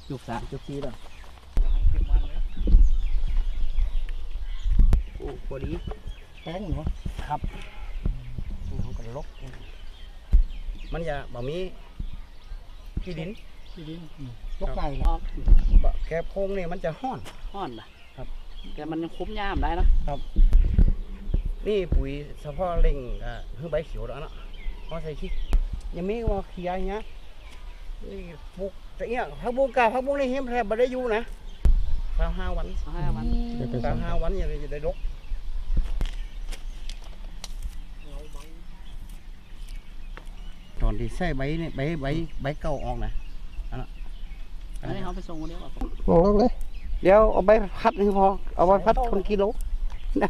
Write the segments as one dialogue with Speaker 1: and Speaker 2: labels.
Speaker 1: จุกสามจุกสี่แล้วโอ้พอดีแป้งเหรอครับเขาก็ลกมันจะบ่มีขี้ดินลกไก่แล้วแกโพงเนี่ยมันจะห้อนนะครับแต่มันคุ้มย่ามได้นะครับนี่ปุ๋ยเฉพาะเล่งคือใบเขียวแล้วเนาะเขาใส่ขี้ยังไม่ว่าเขียอย่างเงี้ยนี่ปลูกแต่เนี้ยผักบุ้งกาผักบุ้งนี่เห็นแทบไม่ได้อยู่นะ25 วัน25 วันอย่างนี้จะได้ลกตอนที่ใส่ใบนี่ใบเก่าออกนะอันนี้เขาไปส่งคนเดียว
Speaker 2: มองลงเลย
Speaker 1: เดี๋ยวเอาใบพัดนี่พอเอาใบพัดคนกิโลนะ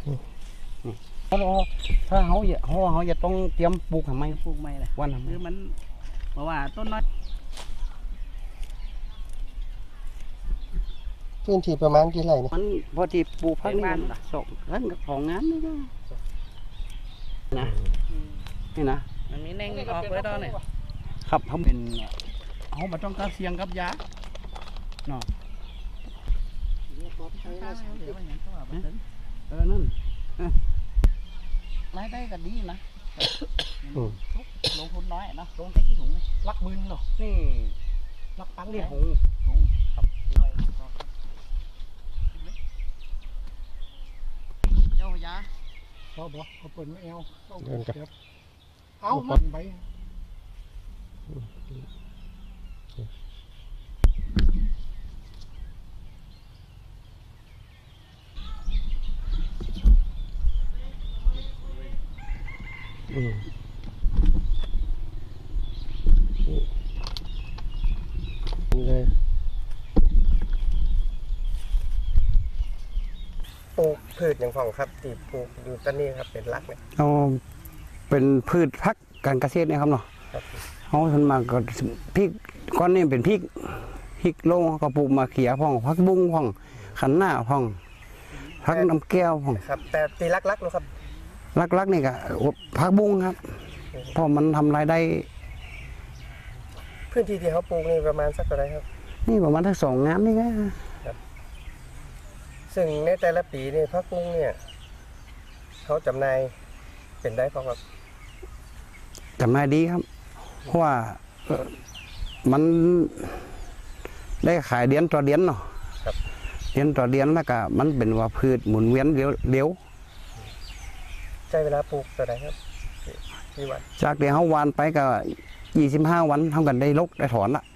Speaker 1: ถ้าเขาอย่าต้องเตรียมปลูกทำไมเลยวันทำไมคือมันเพราะว่าต้นน้อย
Speaker 2: พื้นที่ประมาณกี่ไร่เนี่ย
Speaker 1: มันพอที่ปลูกพักนี่สองท่านของงานนี่นะนี่นะมันมีแน่งออกไว้ตอนนี้ครับเขาเป็นเขาไม่ต้องการเสียงกับยาเนาะนั่นรายได้ก็ดีนะลงทุนน้อยนะลงแค่กี่ถุงลัก10,000เนาะนี่ลักตันนี่ถุงครับเจ้ายาเขาบอกเขาเปิดไม่เอาเอามันไป
Speaker 2: เลยปลูกพืชอย่างของครับที่ปลูกอยู่ต้นนี้ครับเป็นหลักเนี่ย
Speaker 1: เอาเป็นพืชพักการเกษตรเนี่ยครับเนาะเขาส่วนมากก็พริกก้อนนี้เป็นพริกโลงก็ปลูกมาเขียพ่องพักบุ้งพ่องขันหน้าพ่องพักน้ำแก้วพ่อง
Speaker 2: ครับแต่ตีลักๆนะครับ
Speaker 1: ลักนี่ก็พักบุ้งครับเพราะมันทำรายได้
Speaker 2: พื้นที่ที่เขาปลูกนี่ประมาณสักเท่าไหร่ครับ
Speaker 1: นี่ประมาณทั้ง2 งานนี่ไง
Speaker 2: ซึ่งในแต่ละปีนี่พักบุ้งเนี่ยเขาจำหน่ายเป็นได้พอครับ
Speaker 1: จำหน่ายดีครับเพราะว่ามันได้ขายเดือนต่อเดือนเนาะเดือนต่อเดือนแล้วก็มันเป็นว่าพืชหมุนเวียนเร็ว
Speaker 2: ใช้เวลาปลูกเท่าไหร่ครับกี่วัน
Speaker 1: จากเดี๋ยวเขาวานไปก็25 วันเท่ากันได้ลกได้ถอนละ